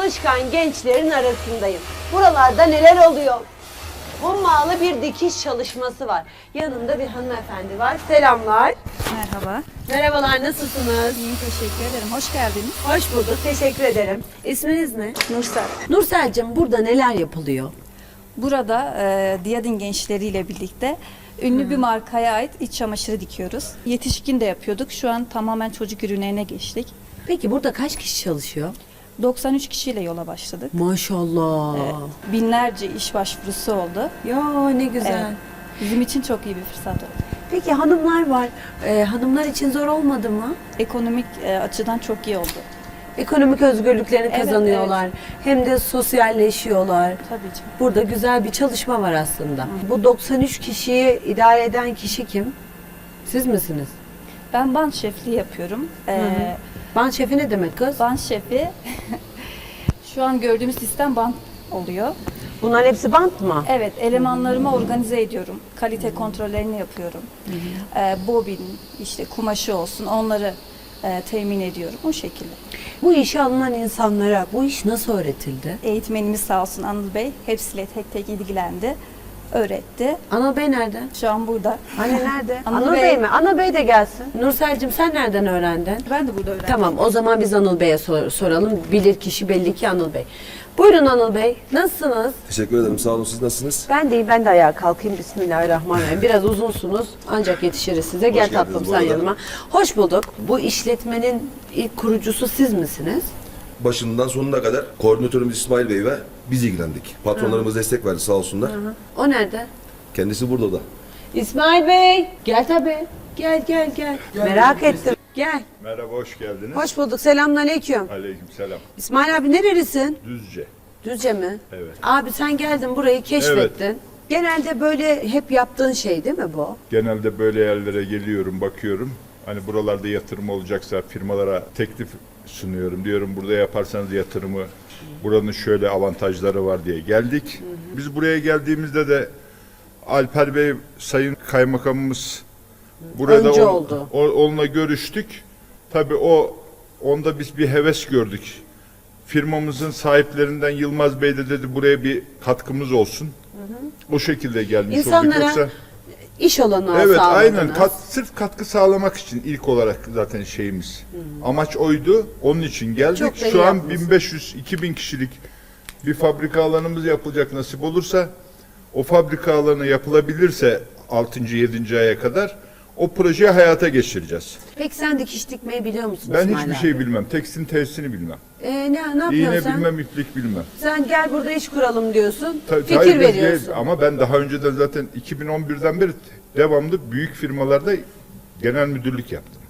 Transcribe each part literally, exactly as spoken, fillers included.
çalışkan gençlerin arasındayım. Buralarda neler oluyor? Hummalı bir dikiş çalışması var. Yanında bir hanımefendi var. Selamlar. Merhaba. Merhabalar, nasılsınız? İyi, teşekkür ederim. Hoş geldiniz. Hoş bulduk, teşekkür ederim. İsminiz ne? Nursel. Nursel'cim, burada neler yapılıyor? Burada e, Diyadin gençleriyle birlikte ünlü bir markaya ait iç çamaşırı dikiyoruz. Yetişkin de yapıyorduk. Şu an tamamen çocuk ürünlerine geçtik. Peki burada kaç kişi çalışıyor? doksan üç kişiyle yola başladık. Maşallah. E, binlerce iş başvurusu oldu. Ya ne güzel. Evet. Bizim için çok iyi bir fırsat oldu. Peki hanımlar var. Ee, hanımlar için zor olmadı mı? Ekonomik e, açıdan çok iyi oldu. Ekonomik özgürlüklerini Evet, kazanıyorlar. Hem de sosyalleşiyorlar. Tabii ki. Burada güzel bir çalışma var aslında. Bu doksan üç kişiyi idare eden kişi kim? Siz misiniz? Ben band şefliği yapıyorum. E, Hı hı. Ban şefi ne demek kız? Band şefi şu an gördüğümüz sistem band oluyor. Bunların hepsi bant mı? Evet, elemanlarımı organize ediyorum. Kalite kontrollerini yapıyorum. Ee, bobin, işte kumaşı olsun, onları e, temin ediyorum. O şekilde. Bu işe alınan insanlara bu iş nasıl öğretildi? Eğitmenimiz sağ olsun Anıl Bey hepsiyle tek tek ilgilendi, öğretti. Anıl Bey nerede? Şu an burada. Anne nerede? Anıl Anıl Bey. Bey mi? Anıl Bey de gelsin. Nursel'cim sen nereden öğrendin? Ben de burada öğrendim. Tamam, o zaman biz Anıl Bey'e sor- soralım. Bilir kişi belli ki Anıl Bey. Buyurun Anıl Bey. Nasılsınız? Teşekkür ederim. Sağ olun. Siz nasılsınız? Ben de iyi. Ben de ayağa kalkayım. Bismillahirrahmanirrahim. Biraz uzunsunuz. Ancak yetişiriz size. Gel geldiniz tatlım bu sen arada. yanıma. Hoş bulduk. Bu işletmenin ilk kurucusu siz misiniz? Başından sonuna kadar koordinatörümüz İsmail Bey ve biz ilgilendik. Patronlarımız destek verdi sağ olsunlar. O nerede? Kendisi burada da. İsmail Bey. Gel tabii. Gel gel gel. Merak ettim. Gel. Merhaba, hoş geldiniz. Hoş bulduk. Selamünaleyküm. Aleykümselam. İsmail abi nerelisin? Düzce. Düzce mi? Evet. Abi sen geldin burayı keşfettin. Genelde böyle hep yaptığın şey değil mi bu? Genelde böyle yerlere geliyorum, bakıyorum. Hani buralarda yatırım olacaksa firmalara teklif sunuyorum. Diyorum burada yaparsanız yatırımı, buranın şöyle avantajları var diye geldik. Biz buraya geldiğimizde de Alper Bey, Sayın Kaymakamımız burada Önce on- oldu. o- onunla görüştük. Tabii o onda biz bir heves gördük. Firmamızın sahiplerinden Yılmaz Bey de dedi buraya bir katkımız olsun. O şekilde gelmiş İnsanlara olduk. Yoksa İş olanağı evet sağladınız. aynen kat, sırf katkı sağlamak için ilk olarak zaten şeyimiz. Amaç oydu. Onun için geldik. Çok da iyi Şu an yapmışsınız. bin beş yüz iki bin kişilik bir fabrika alanımız yapılacak nasip olursa, o fabrika alanı yapılabilirse altıncı yedinci aya kadar o projeyi hayata geçireceğiz. Peki sen dikiş dikmeyi biliyor musun Ben İsmail hiçbir abi? şey bilmem. Tekstil tesisini bilmem. Ee, ne, ne yapıyorsun İğne sen? bilmem, iplik bilmem. Sen gel burada iş kuralım diyorsun. Ta- fikir hayır, biz veriyorsun. değil. Ama ben daha önceden zaten iki bin on birden beri devamlı büyük firmalarda genel müdürlük yaptım.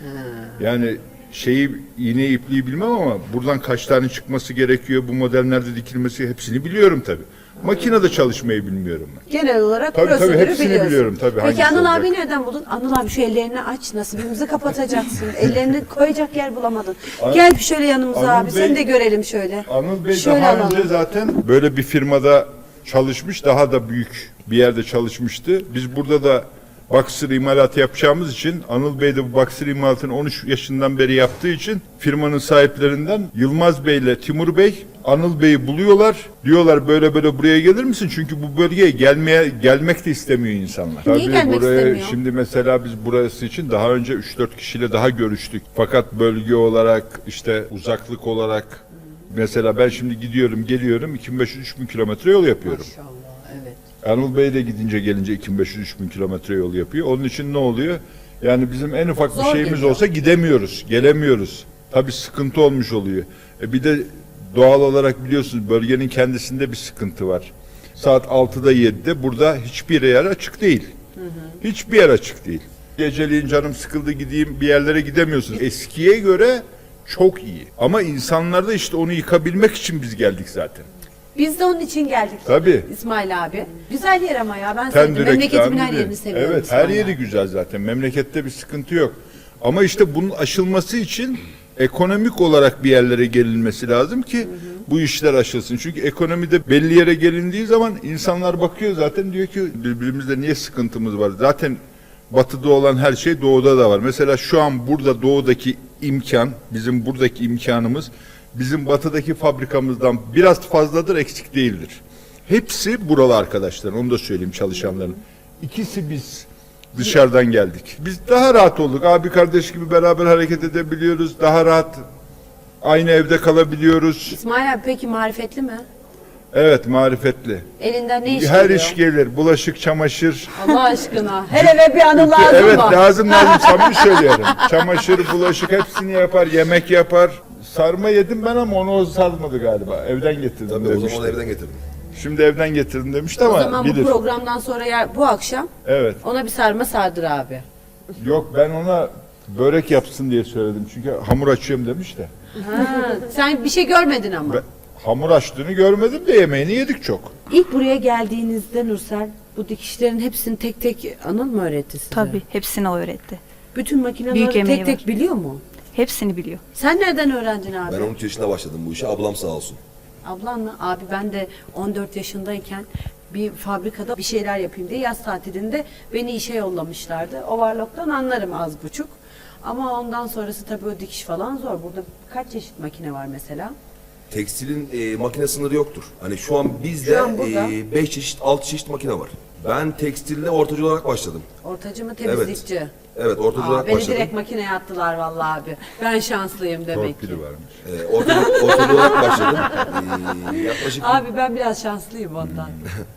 Yani şeyi iğne ipliği bilmem ama buradan kaç tane çıkması gerekiyor, bu model nerede dikilmesi hepsini biliyorum tabii. Makinede çalışmayı bilmiyorum ben. Genel olarak Tabii, tabii, prosedürü hepsini biliyorsun. biliyorum, tabii, Peki hangisi Anıl olacak? abi nereden buldun? Anıl abi şu ellerini aç, nasibimizi kapatacaksın. Ellerini koyacak yer bulamadın. An- Gel bir şöyle yanımıza Anıl abi, Bey- seni de görelim şöyle. Anıl Bey Şöyle daha alalım. önce zaten böyle bir firmada çalışmış, daha da büyük bir yerde çalışmıştı. Biz burada da baksır imalatı yapacağımız için, Anıl Bey de bu baksır imalatını on üç yaşından beri yaptığı için firmanın sahiplerinden Yılmaz Bey ile Timur Bey Anıl Bey'i buluyorlar. Diyorlar böyle böyle buraya gelir misin? Çünkü bu bölgeye gelmeye gelmek de istemiyor insanlar. Niye gelmek buraya, istemiyor? Şimdi mesela biz burası için daha önce üç dört kişiyle daha görüştük. Fakat bölge olarak, işte uzaklık olarak, mesela ben şimdi gidiyorum geliyorum iki bin beş yüz üç bin kilometre yol yapıyorum. Maşallah, evet. Anıl Bey de gidince gelince iki bin beş yüz üç bin kilometre yol yapıyor. Onun için ne oluyor? Yani bizim en ufak bir Zor şeyimiz geliyor. olsa gidemiyoruz, gelemiyoruz. Tabii sıkıntı olmuş oluyor. E bir de doğal olarak biliyorsunuz bölgenin kendisinde bir sıkıntı var. Saat altıda yedide burada hiçbir yer açık değil. Hiçbir yer açık değil. Geceliğin canım sıkıldı gideyim bir yerlere gidemiyorsunuz. Eskiye göre çok iyi. Ama insanlarda işte onu yıkabilmek için biz geldik zaten. Biz de onun için geldik. Tabii. İsmail abi. Güzel yer ama ya, ben sevdim. Tendürek, Memleketimin her tendürek. yerini seviyorum. Evet, her İsmail yeri abi. güzel zaten. Memlekette bir sıkıntı yok. Ama işte bunun aşılması için ekonomik olarak bir yerlere gelinmesi lazım ki bu işler aşılsın. Çünkü ekonomide belli yere gelindiği zaman insanlar bakıyor zaten, diyor ki birbirimizde niye sıkıntımız var? Zaten batıda olan her şey doğuda da var. Mesela şu an burada doğudaki imkan, bizim buradaki imkanımız bizim batıdaki fabrikamızdan biraz fazladır, eksik değildir. Hepsi buralı arkadaşlar, onu da söyleyeyim çalışanların. İkisi biz dışarıdan geldik. Biz daha rahat olduk. Abi kardeş gibi beraber hareket edebiliyoruz. Daha rahat aynı evde kalabiliyoruz. İsmail abi peki marifetli mi? Evet, marifetli. Elinden ne iş Her geliyor? iş gelir. Bulaşık, çamaşır. Allah aşkına. Her eve bir anı lazım Evet, mı? lazım lazım, samimi söylüyorum. Çamaşır, bulaşık hepsini yapar, yemek yapar. Sarma yedim ben ama onu o sarmadı galiba. Evden getirdim Tabii o demişti. zaman evden getirdim. Şimdi evden getirdim demişti O ama zaman bilir. bu programdan sonra ya, bu akşam Evet. ona bir sarma sardır abi. Yok, ben ona börek yapsın diye söyledim. Çünkü hamur açıyorum demiş de. Ha, sen bir şey görmedin ama. Ben hamur açtığını görmedim de yemeğini yedik çok. İlk buraya geldiğinizde Nursel bu dikişlerin hepsini tek tek Anıl mı öğretti size? Tabii hepsini o öğretti. Bütün makineleri Büyük tek emeği tek var. biliyor mu? Hepsini biliyor. Sen nereden öğrendin abi? Ben on üç yaşında başladım bu işe. Ablam sağ olsun. Ablan mı? Abi ben de on dört yaşındayken bir fabrikada bir şeyler yapayım diye yaz tatilinde beni işe yollamışlardı. Overlock'tan anlarım az buçuk. Ama ondan sonrası tabii o dikiş falan zor. Burada kaç çeşit makine var mesela? Tekstilin e, makine sınırı yoktur. Hani şu an bizde Şu an burada. beş çeşit, altı çeşit makine var. Ben tekstilde ortacı olarak başladım. Ortacı mı temizlikçi? Evet, ortacı Aa, olarak beni başladım. direkt makineye attılar vallahi abi. Ben şanslıyım demek ki. Torpili varmış. E, ortacı, ortacı olarak başladım. E, yaklaşık Abi ben biraz şanslıyım ondan.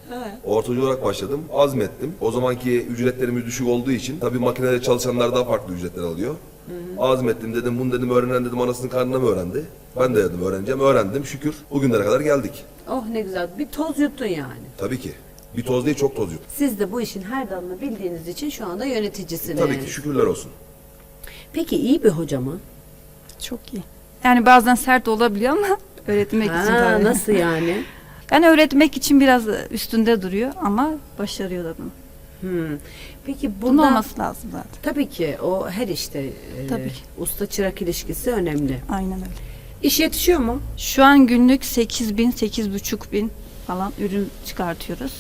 ortacı olarak başladım. Azmettim. O zamanki ücretlerimiz düşük olduğu için tabii makinede çalışanlar daha farklı ücretler alıyor. Azmettim, dedim bunu dedim öğrenen dedim anasının karnına mı öğrendi? Ben de dedim öğreneceğim. Öğrendim, şükür bugünlere kadar geldik. Oh ne güzel. Bir toz yuttun yani. Tabii ki. Bir toz değil, çok toz yut. Siz de bu işin her dalını bildiğiniz için şu anda yöneticisiniz. Tabii ki, şükürler olsun. Peki iyi bir hoca mı? Çok iyi. Yani bazen sert olabiliyor ama öğretmek için Ha, tabii. nasıl yani? Yani öğretmek için biraz üstünde duruyor ama başarıyor da bunu. Hmm. Peki Bunun burada olması lazım zaten. tabii ki o her işte e, Tabii ki. usta çırak ilişkisi önemli. Aynen öyle. İş yetişiyor mu? Şu an günlük sekiz bin, sekiz buçuk bin falan ürün çıkartıyoruz.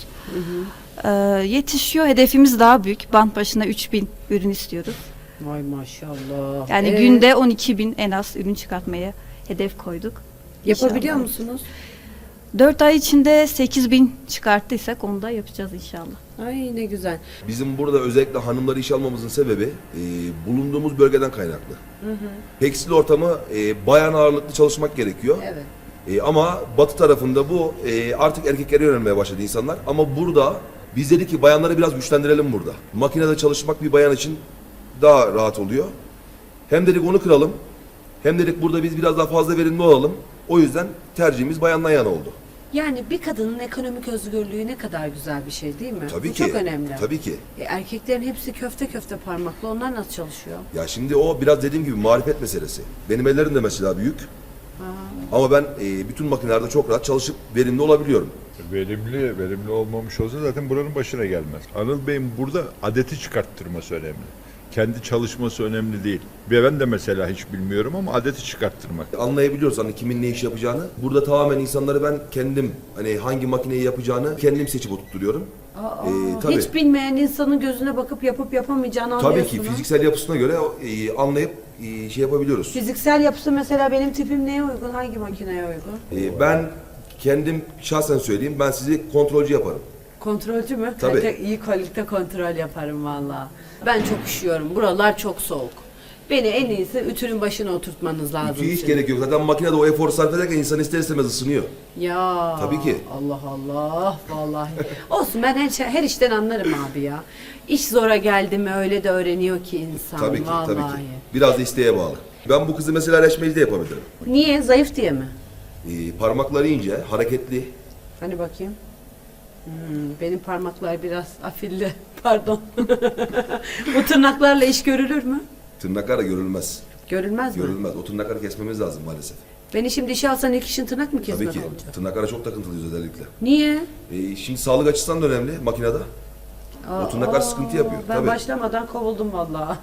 Ee, yetişiyor. Hedefimiz daha büyük. Bant başına üç bin ürün istiyoruz. Vay maşallah. Yani Ee, günde on iki bin en az ürün çıkartmaya hedef koyduk. yapabiliyor İnşallah. musunuz? dört ay içinde sekiz bin çıkarttıysak onu da yapacağız inşallah. Ay ne güzel. Bizim burada özellikle hanımları işe almamızın sebebi e, bulunduğumuz bölgeden kaynaklı. Tekstil ortamı e, bayan ağırlıklı çalışmak gerekiyor. Evet. E, ama batı tarafında bu e, artık erkeklere yönelmeye başladı insanlar. Ama burada biz dedik ki bayanları biraz güçlendirelim burada. Makinede çalışmak bir bayan için daha rahat oluyor. Hem dedik onu kıralım. Hem dedik burada biz biraz daha fazla verimli olalım. O yüzden tercihimiz bayandan yana oldu. Yani bir kadının ekonomik özgürlüğü ne kadar güzel bir şey değil mi? Tabii Bu ki. çok önemli. Tabii ki. E, erkeklerin hepsi köfte köfte parmaklı. Onlar nasıl çalışıyor? Ya şimdi o biraz dediğim gibi marifet meselesi. Benim ellerim de mesela büyük. Ama ben e, bütün makinelerde çok rahat çalışıp verimli olabiliyorum. Verimli, verimli olmamış olsa zaten buranın başına gelmez. Anıl Bey'in burada adeti çıkarttırması önemli. Kendi çalışması önemli değil. Ve ben de mesela hiç bilmiyorum ama adeti çıkarttırmak. Anlayabiliyoruz hani kimin ne iş yapacağını. Burada tamamen insanları ben kendim hani hangi makineyi yapacağını kendim seçip oturtturuyorum. Aa, Ee, tabii. hiç bilmeyen insanın gözüne bakıp yapıp yapamayacağını Tabii anlıyorsun. ki ha? fiziksel yapısına göre e, anlayıp e, şey yapabiliyoruz. Fiziksel yapısı mesela benim tipim neye uygun? Hangi makineye uygun? E, ben kendim şahsen söyleyeyim, ben sizi kontrolcü yaparım. Kontrolcü mü? Tabii. Kalite, iyi kalite kontrol yaparım valla. Ben çok üşüyorum. Buralar çok soğuk. Beni en iyisi ütünün başına oturtmanız lazım. Ütüye hiç sizin. gerek yok. Zaten makinede o eforu sarf ederken insan ister istemez ısınıyor. Ya. Tabii ki. Allah Allah vallahi. Olsun ben her, şey- her işten anlarım abi ya. İş zora geldi mi öyle de öğreniyor ki insan. Tabii ki, vallahi. tabii ki. Biraz da isteğe bağlı. Ben bu kızı mesela reçmeci de yapabilirim. Niye? Zayıf diye mi? E, parmakları ince, hareketli. Hani bakayım. Hmm, benim parmaklar biraz afilli. Pardon. Bu tırnaklarla iş görülür mü? Tırnaklar da görülmez. Görülmez mi? Görülmez. O tırnakları kesmemiz lazım maalesef. Beni şimdi işe alsan ilk işin tırnak mı Tabii kesmek ki. olacak? Tırnaklara çok takıntılıyız özellikle. Niye? E, şimdi sağlık açısından da önemli makinede. O tırnaklar sıkıntı yapıyor. Ben Tabii. başlamadan kovuldum vallahi.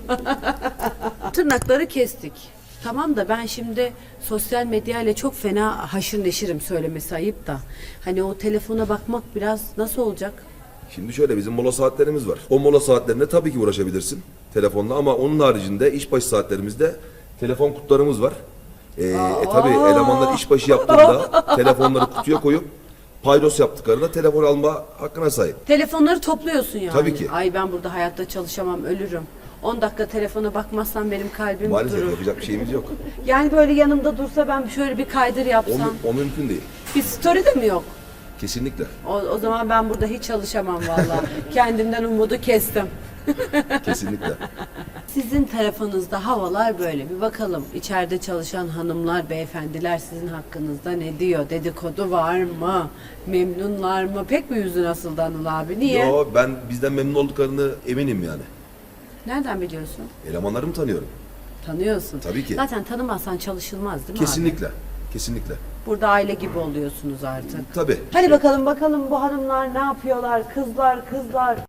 Tırnakları kestik. Tamam da ben şimdi sosyal medyayla çok fena haşır neşirim söylemesi ayıp da. Hani o telefona bakmak biraz nasıl olacak? Şimdi şöyle bizim mola saatlerimiz var. O mola saatlerinde tabii ki uğraşabilirsin telefonla ama onun haricinde iş başı saatlerimizde telefon kutularımız var. Ee, e tabi elemanlar işbaşı yaptığında telefonları kutuya koyup paydos yaptıklarında telefon alma hakkına sahip. Telefonları topluyorsun yani. Tabii ki. Ay ben burada hayatta çalışamam, ölürüm. on dakika telefona bakmazsam benim kalbim Maalesef durur. yapacak bir şeyimiz yok. Yani böyle yanımda dursa ben şöyle bir kaydır O, yapsam. mü- o mümkün değil. Bir story de mi yok? Kesinlikle. O, o zaman ben burada hiç çalışamam vallahi. Kendimden umudu kestim. Kesinlikle. Sizin tarafınızda havalar böyle. Bir bakalım içeride çalışan hanımlar, beyefendiler sizin hakkınızda ne diyor? Dedikodu var mı? Memnunlar mı? Pek mi yüzün asıldı Anıl abi? Niye? Yo, ben bizden memnun olduklarını eminim yani. Nereden biliyorsun? Elemanlarımı tanıyorum. Tanıyorsun. Tabii ki. Zaten tanımazsan çalışılmaz değil mi abi? Kesinlikle. Kesinlikle. Burada aile gibi oluyorsunuz artık. Tabii. Hadi bakalım bakalım bu hanımlar ne yapıyorlar? Kızlar kızlar.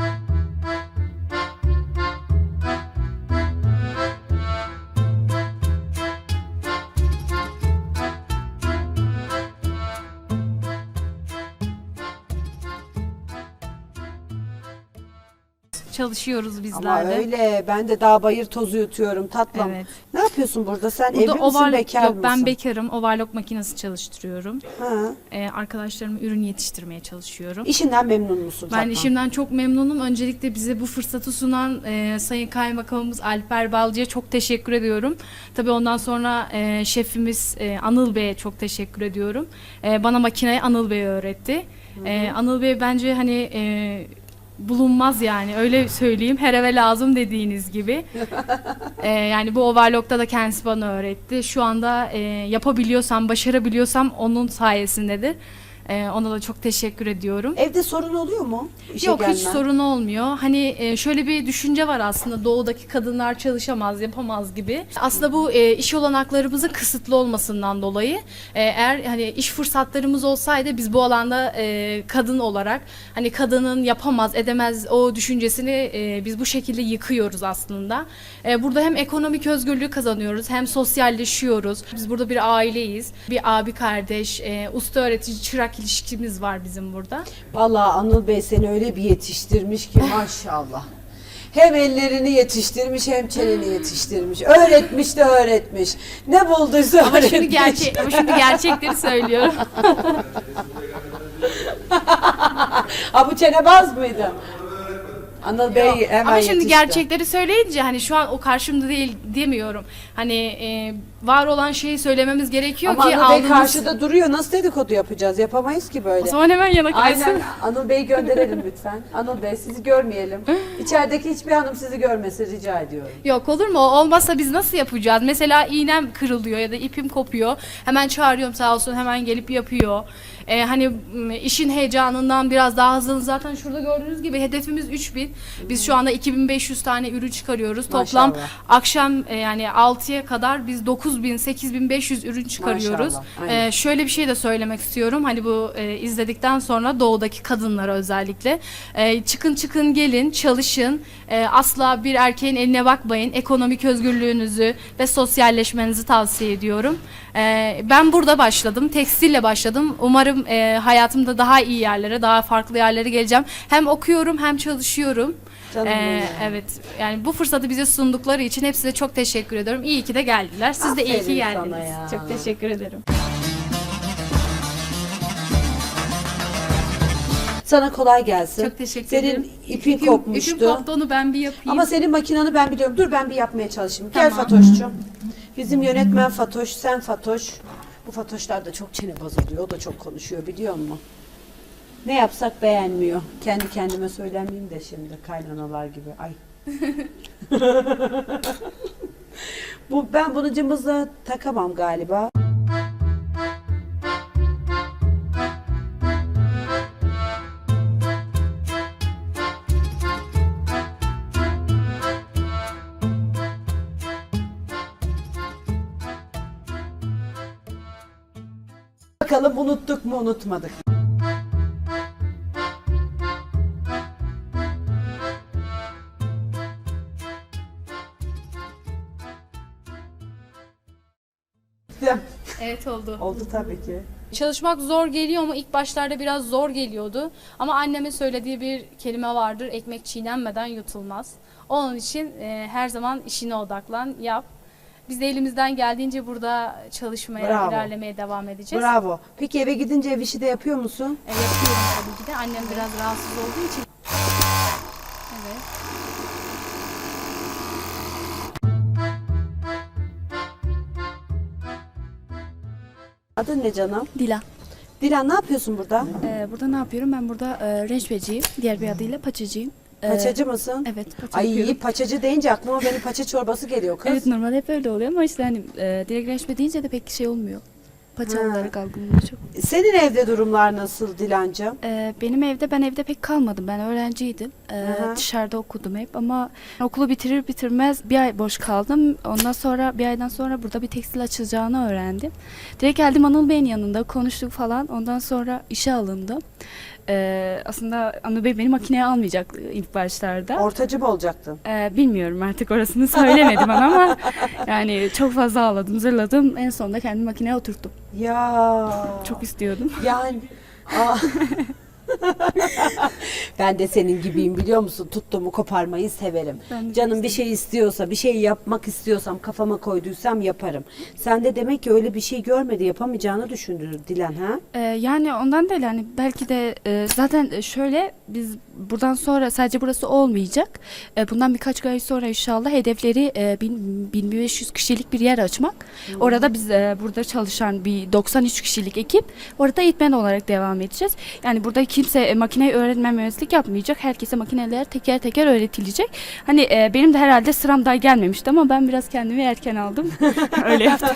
Çalışıyoruz bizler Ama de. öyle. Ben de dağ bayır tozu yutuyorum tatlım. Evet. Ne yapıyorsun burada? Sen Burada evli misin, oval- bekar yok, mısın? ben bekarım. Overlock makinesi çalıştırıyorum. Ha. Ee, arkadaşlarıma ürün yetiştirmeye çalışıyorum. İşinden memnun musun? Ben tatlım? işimden çok memnunum. Öncelikle bize bu fırsatı sunan e, Sayın Kaymakamımız Alper Balcı'ya çok teşekkür ediyorum. Tabii ondan sonra e, şefimiz e, Anıl Bey'e çok teşekkür ediyorum. E, bana makineyi Anıl Bey öğretti. E, Anıl Bey bence hani e, bulunmaz yani öyle söyleyeyim. Her eve lazım dediğiniz gibi. E, yani bu overlock'ta da kendisi bana öğretti. Şu anda e, yapabiliyorsam, başarabiliyorsam onun sayesindedir. E, ona da çok teşekkür ediyorum. Evde sorun oluyor mu? İşe Yok hiç gelmen? sorun olmuyor. Hani e, şöyle bir düşünce var aslında doğudaki kadınlar çalışamaz, yapamaz gibi. Aslında bu e, iş olanaklarımızın kısıtlı olmasından dolayı e, eğer hani iş fırsatlarımız olsaydı biz bu alanda e, kadın olarak hani kadının yapamaz, edemez o düşüncesini e, biz bu şekilde yıkıyoruz aslında. E, burada hem ekonomik özgürlüğü kazanıyoruz hem sosyalleşiyoruz. Biz burada bir aileyiz. Bir abi kardeş, e, usta öğretici çırak ilişkimiz var bizim burada. Vallahi Anıl Bey seni öyle bir yetiştirmiş ki maşallah. Hem ellerini yetiştirmiş hem çeneni yetiştirmiş. Öğretmiş de öğretmiş. Ne bulduysa Ama öğretmiş. şimdi gerçek ama şimdi gerçekleri söylüyorum. Ha bu çenebaz mıydı? Anıl Bey hemen Ama şimdi yetişti. gerçekleri söyleyince hani şu an o karşımda değil demiyorum. Hani e, var olan şeyi söylememiz gerekiyor Ama ki Anıl Bey aldığımız... karşıda duruyor. Nasıl dedikodu yapacağız? Yapamayız ki O böyle. zaman hemen yana kaysın. Aynen. Anıl Bey'i gönderelim lütfen. Anıl Bey sizi görmeyelim. İçerideki hiçbir hanım sizi görmesin rica ediyorum. Yok olur mu? O olmazsa biz nasıl yapacağız? Mesela iğnem kırılıyor ya da ipim kopuyor. Hemen çağırıyorum sağ olsun hemen gelip yapıyor. Ee, hani m, işin heyecanından biraz daha hızlı. Zaten şurada gördüğünüz gibi hedefimiz üç bin. Biz şu anda iki bin beş yüz tane ürün çıkarıyoruz. Toplam Maşallah. akşam e, yani altıya kadar biz dokuz bin sekiz bin beş yüz ürün çıkarıyoruz. Maşallah, aynen. Ee, şöyle bir şey de söylemek istiyorum. Hani bu e, izledikten sonra doğudaki kadınlara özellikle e, çıkın çıkın gelin çalışın. E, asla bir erkeğin eline bakmayın. Ekonomik özgürlüğünüzü ve sosyalleşmenizi tavsiye ediyorum. E, ben burada başladım. Tekstille başladım. Umarım e, hayatımda daha iyi yerlere, daha farklı yerlere geleceğim. Hem okuyorum hem çalışıyorum. Canım E, benim. evet. Yani bu fırsatı bize sundukları için hepsine çok teşekkür ediyorum. İyi ki de geldiler. Siz de iyi ki Aferin sana geldiniz. ya. Çok teşekkür ederim. Sana kolay gelsin. Çok teşekkür Senin ederim. ipin İpim- kopmuştu. İpim koptu onu ben bir yapayım. Ama senin makinanı ben biliyorum. Dur ben bir yapmaya çalışayım. Gel Tamam. Fatoş'cum. Bizim yönetmen Fatoş, sen Fatoş. Bu Fatoşlar da çok çenebaz oluyor. O da çok konuşuyor biliyor musun? Ne yapsak beğenmiyor. Kendi kendime söylemeyeyim de şimdi kaynanalar gibi. Ay. Bu ben bunu cımbızla takamam galiba. Bakalım unuttuk mu unutmadık. Evet oldu. Oldu tabii ki. Çalışmak zor geliyor ama ilk başlarda biraz zor geliyordu. Ama annemin söylediği bir kelime vardır. Ekmek çiğnenmeden yutulmaz. Onun için e, her zaman işine odaklan, yap. Biz de elimizden geldiğince burada çalışmaya, Bravo. ilerlemeye devam edeceğiz. Bravo. Peki eve gidince ev işi de yapıyor musun? E, yapıyorum tabii ki de. Annem biraz rahatsız olduğu için. Evet. Adın ne canım? Dila. Dilan ne yapıyorsun burada? Ee, burada ne yapıyorum? Ben burada e, rençbeciyim. Diğer bir adıyla paçacıyım. Ee, Paçacı mısın? Evet, paça Ay yapıyorum. paçacı deyince aklıma benim paça çorbası geliyor kız. Evet, normalde hep öyle oluyor ama işte hani e, direkt rençbe deyince de pek şey olmuyor. Paça Ha. olarak algılanıyor çok. Senin evde durumlar nasıl Dilancığım? Ee, benim evde, ben evde pek kalmadım. Ben öğrenciydim. Ee, Aha. dışarıda okudum hep ama okulu bitirir bitirmez bir ay boş kaldım. Ondan sonra bir aydan sonra burada bir tekstil açılacağını öğrendim. Direkt geldim Anıl Bey'in yanında konuştuk falan. Ondan sonra işe alındım. Ee, aslında Anıl Bey beni makineye almayacaktı ilk başlarda. Ortacı mı olacaktın? Ee, bilmiyorum artık orasını söylemedi bana ama yani çok fazla ağladım, zırladım. En sonunda kendimi makineye oturttum. Ya. Çok istiyordum. Yani. Aa. Ben de senin gibiyim biliyor musun? Tuttuğumu koparmayı severim. Ben de Canım çok bir şey istiyorsa, bir şey yapmak istiyorsam, kafama koyduysam yaparım. Sen de demek ki öyle bir şey görmedi, yapamayacağını düşündün Dilan ha? Ee, yani ondan değil, hani belki de e, zaten şöyle, biz buradan sonra sadece burası olmayacak. E, bundan birkaç ay sonra inşallah hedefleri e, bin, bin beş yüz kişilik bir yer açmak. Orada biz e, burada çalışan bir doksan üç kişilik ekip orada eğitmen olarak devam edeceğiz. Yani burada kimse e, makineyi öğrenmemezlik yapmayacak. Herkese makineler teker teker öğretilecek. Hani e, benim de herhalde sıram daha gelmemişti ama ben biraz kendimi erken aldım. Öyle yaptım.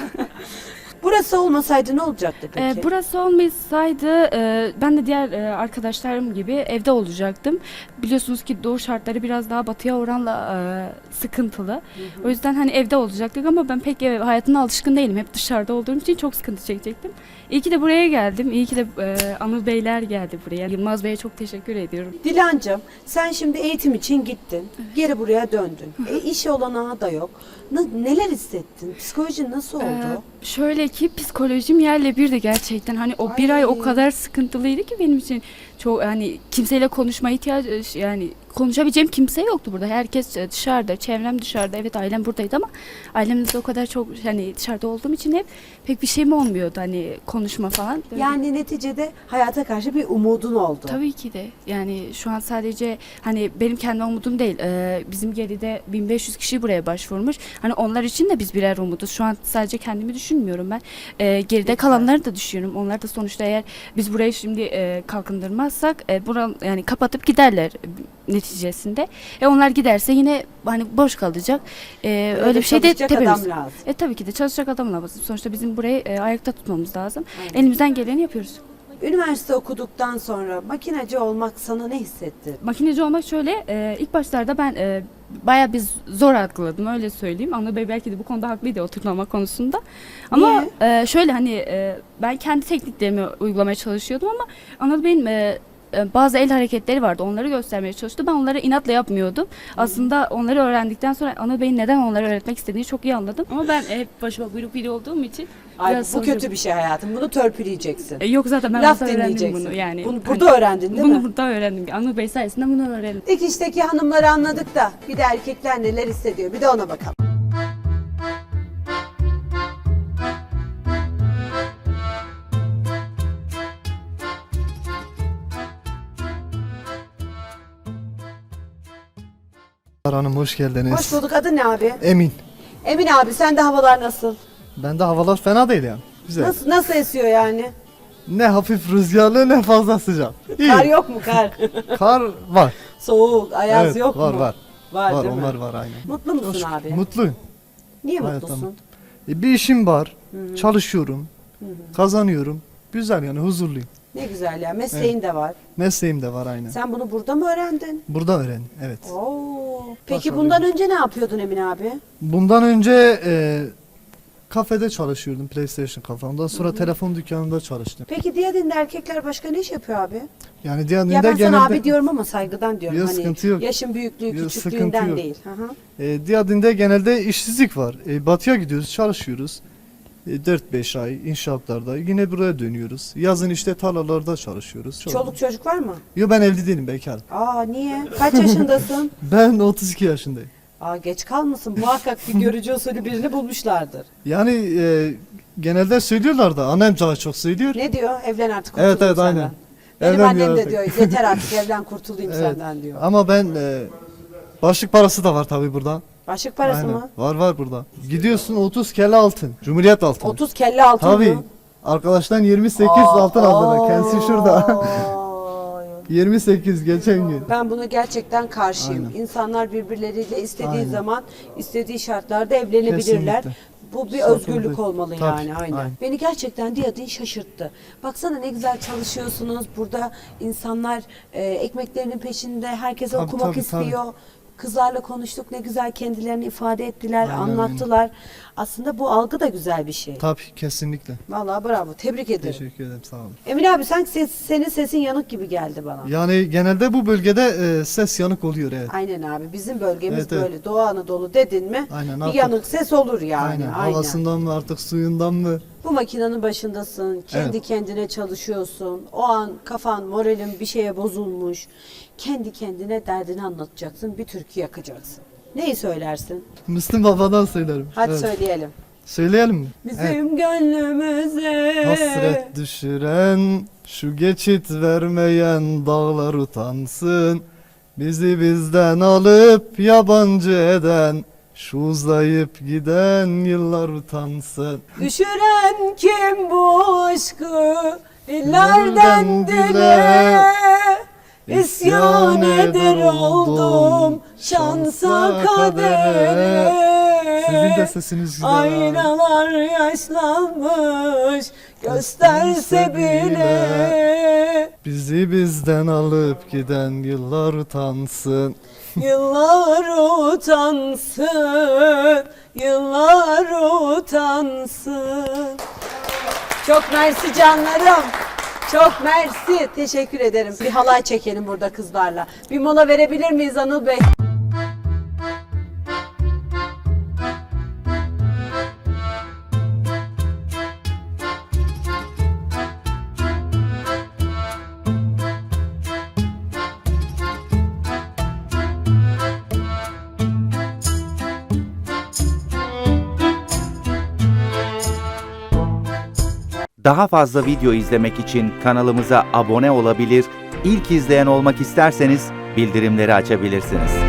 Burası olmasaydı ne olacaktı peki? Ee, burası olmasaydı e, ben de diğer e, arkadaşlarım gibi evde olacaktım. Biliyorsunuz ki doğu şartları biraz daha batıya oranla e, sıkıntılı. O yüzden hani evde olacaktık ama ben pek ev hayatına alışkın değilim. Hep dışarıda olduğum için çok sıkıntı çekecektim. İyi ki de buraya geldim. İyi ki de e, Anıl Beyler geldi buraya. Yılmaz Bey'e çok teşekkür ediyorum. Dilancığım sen şimdi eğitim için gittin. Geri buraya döndün. E, iş olanağı da yok. Ne- neler hissettin? Psikolojin nasıl oldu? Ee, şöyle ki psikolojim yerle birdi gerçekten. Hani o bir Ay. ay o kadar sıkıntılıydı ki benim için. Çok hani kimseyle konuşma ihtiyacı, yani konuşabileceğim kimse yoktu burada. Herkes dışarıda, çevrem dışarıda. Evet, ailem buradaydı ama ailemle de o kadar çok hani dışarıda olduğum için hep pek bir şeyim olmuyordu hani konuşma falan. Böyle. Yani neticede hayata karşı bir umudun oldu. Tabii ki de. Yani şu an sadece hani benim kendi umudum değil. Ee, bizim geride bin beş yüz kişi buraya başvurmuş. Hani onlar için de biz birer umuduz. Şu an sadece kendimi düşünmüyorum ben. Ee, geride kalanları da düşünüyorum. Onlar da sonuçta eğer biz burayı şimdi e, kalkındırmazsak e, buran yani kapatıp giderler neticesinde. E onlar giderse yine hani boş kalacak. E, öyle, bir şey de çalışacak demiyoruz. adam lazım. E tabii ki de çalışacak adam lazım. Sonuçta bizim burayı e, ayakta tutmamız lazım. Aynen. Elimizden geleni yapıyoruz. Üniversite okuduktan sonra makinacı olmak sana ne hissetti? Makineci olmak şöyle, e, ilk başlarda ben e, bayağı bir zor algıladım, öyle söyleyeyim. Anıl Bey belki de bu konuda haklıydı, oturtmama konusunda. Ama e, şöyle hani e, ben kendi tekniklerimi uygulamaya çalışıyordum ama Anıl Bey'in e, e, bazı el hareketleri vardı, onları göstermeye çalıştı. Ben onları inatla yapmıyordum. Aslında onları öğrendikten sonra Anıl Bey'in neden onları öğretmek istediğini çok iyi anladım. Ama ben hep başıma buyruk biri olduğum için Ay, biraz bu sonucu- kötü bir şey hayatım. Bunu törpüleyeceksin. E, yok zaten ben Laf burada öğrendim dinleyeceksin. bunu yani. Bunu Hani burada öğrendin değil bunu mi? burada öğrendim. Anıl Bey sayesinde bunu öğrendim. Dikişteki hanımları anladık da bir de erkekler neler hissediyor. Bir de ona bakalım. Hanım hoş geldiniz. Hoş bulduk. Adın ne abi? Emin. Emin abi sende havalar nasıl? Bende havalar fena değil yani. Güzel. Nasıl nasıl esiyor yani? Ne hafif rüzgarlı ne fazla sıcak. İyi. Kar yok mu kar? Kar var. Soğuk, ayaz Evet, yok var, mu? Var Var, var. değil mi? onlar var aynen. Mutlu musun Çok- abi? Mutluyum. Niye Hayat mutlusun? tamam. E, bir işim var. Çalışıyorum. Kazanıyorum. Güzel yani huzurluyum. Ne güzel ya. Mesleğin de var. Mesleğim de var aynen. Sen bunu burada mı öğrendin? Burada öğrendim. Evet. Oo. Peki Başarılı. bundan önce ne yapıyordun Emin abi? Bundan önce e, kafede çalışıyordum. PlayStation kafe. Ondan sonra telefon dükkanında çalıştım. Peki Diyadin'de erkekler başka ne iş yapıyor abi? Yani Diyanet'te Ya ben sana genelde abi diyorum ama saygıdan diyorum. Yok, hani sıkıntı yok. yaşın büyüklüğü, Yok, küçüklüğünden sıkıntı yok. değil. Hı hı. E, Diyadin'de genelde işsizlik var. E, batıya gidiyoruz, çalışıyoruz. E, dört beş ay inşaatlarda. Yine buraya dönüyoruz. Yazın işte tarlalarda çalışıyoruz. Çok- Çoluk çocuk var mı? Yo ben evli değilim, bekarım. Aa niye? Kaç yaşındasın? Ben otuz iki yaşındayım. Aa, geç kalmasın. Muhakkak bir görücü usulü birini bulmuşlardır. Yani e, genelde söylüyorlar da annem daha çok söylüyor. Ne diyor? Evlen artık kurtulayım Evet evet senden. aynen. Benim Evlen annem de artık. diyor yeter artık evlen kurtulayım Evet. senden diyor. Ama ben e, başlık parası da var tabii burada. Başlık parası Aynen. mı? Var var burada. Gidiyorsun otuz kelle altın. Cumhuriyet altını. otuz kelle altın Tabii. mı? Arkadaştan yirmi sekiz altın aldılar. Kendisi şurada. Ay. yirmi sekiz geçen gün. Ben bunu gerçekten karşıyım. Aynen. İnsanlar birbirleriyle istediği Aynen. zaman istediği şartlarda evlenebilirler. Kesinlikle. Bu bir Sakın özgürlük değil. olmalı Tabii, yani aynen. aynen. Beni gerçekten Diyadin şaşırttı. Baksana ne güzel çalışıyorsunuz. Burada insanlar e, ekmeklerinin peşinde. Herkes Tabii, okumak tabii, tabii. istiyor. Kızlarla konuştuk. Ne güzel kendilerini ifade ettiler, Aynen, anlattılar. Aslında bu algı da güzel bir şey. Tabii kesinlikle. Vallahi bravo. Tebrik ederim. Teşekkür ederim sağ olun. Emin abi sen ses, senin sesin yanık gibi geldi bana. Yani genelde bu bölgede e, ses yanık oluyor evet. Aynen abi. Bizim bölgemiz Evet, evet. böyle Doğu Anadolu dedin mi Aynen, bir artık- yanık ses olur yani. Aynen. Aynen. Havasından mı artık suyundan mı? Bu makinenin başındasın. Kendi Evet. kendine çalışıyorsun. O an kafan, moralin bir şeye bozulmuş. Kendi kendine derdini anlatacaksın. Bir türkü yakacaksın. Neyi söylersin? Müslüm Baba'dan söylerim. Hadi Evet. söyleyelim. Söyleyelim mi? Bizim Evet. gönlümüze Hasret düşüren, şu geçit vermeyen dağlar utansın. Bizi bizden alıp yabancı eden, şu uzayıp giden yıllar utansın. düşüren kim bu aşkı dillerden Dillerden dile dile İsyan eder oldum şansa kadere. Sizin de sesiniz güzel. Aynalar yaşlanmış gösterse bile Bizi bizden alıp giden yıllar utansın. yıllar utansın, yıllar utansın. Çok mersi canlarım. Çok mersi. Teşekkür ederim. Bir halay çekelim burada kızlarla. Bir mola verebilir miyiz Anıl Bey? Daha fazla video izlemek için kanalımıza abone olabilir, ilk izleyen olmak isterseniz bildirimleri açabilirsiniz.